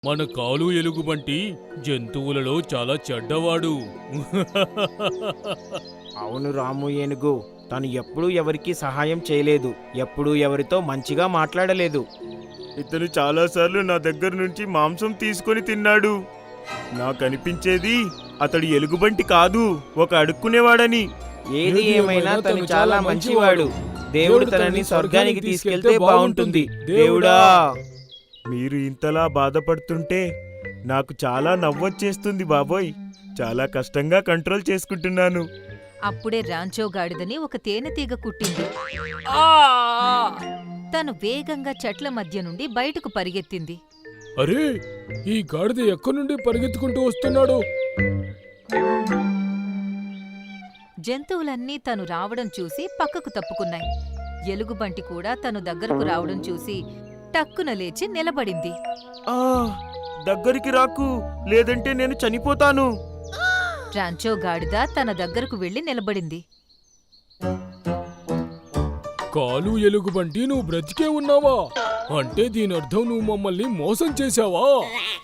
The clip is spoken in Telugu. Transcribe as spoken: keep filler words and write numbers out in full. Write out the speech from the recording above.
మన కాలు ఎలుగుబంటి జంతువులలో చాలా చెడ్డవాడు. అవును రాము ఏనుగు. తను ఎప్పుడూ ఎవరికీ సహాయం చేయలేదు, ఎప్పుడూ ఎవరితో మంచిగా మాట్లాడలేదు. ఇతను చాలాసార్లు నా దగ్గర నుంచి మాంసం తీసుకొని తిన్నాడు. నాకనిపించేది అతడు ఎలుగుబంటి కాదు, ఒక అడుక్కునేవాడని. ఏది ఏమైనా తను చాలా మంచివాడు. దేవుడు తనని స్వర్గానికి తీసుకెళ్తే బాగుంటుంది. దేవుడా! మీరు ఇంతలా బాధపడుతుంటే నాకు చాలా నవ్వొచ్చేస్తుంది బాబోయ్. చాలా కష్టంగా కంట్రోల్ చేసుకుంటున్నాను. అప్పుడే రాంచో గాడిదని ఒక తేనెతీగ కుట్టింది. తను వేగంగా చెట్ల మధ్య నుండి బయటకు పరిగెత్తింది. అరే, ఈ గాడిద ఎక్కడి నుండి పరిగెత్తుకుంటూ వస్తున్నాడు? జంతువులన్నీ తను రావడం చూసి పక్కకు తప్పుకున్నాయి. ఎలుగుబంటి కూడా తను దగ్గరకు రావడం చూసి టక్కున లేచి నిలబడింది. ఆ దగ్గరికి రాకు, లేదంటే నేను చనిపోతాను. రాంచో గాడిద తన దగ్గరకు వెళ్లి నిలబడింది. కాలు ఎలుగుబంటి, నువ్వు బ్రతికే ఉన్నావా? అంటే దీనర్థం నువ్వు మమ్మల్ని మోసం చేశావా?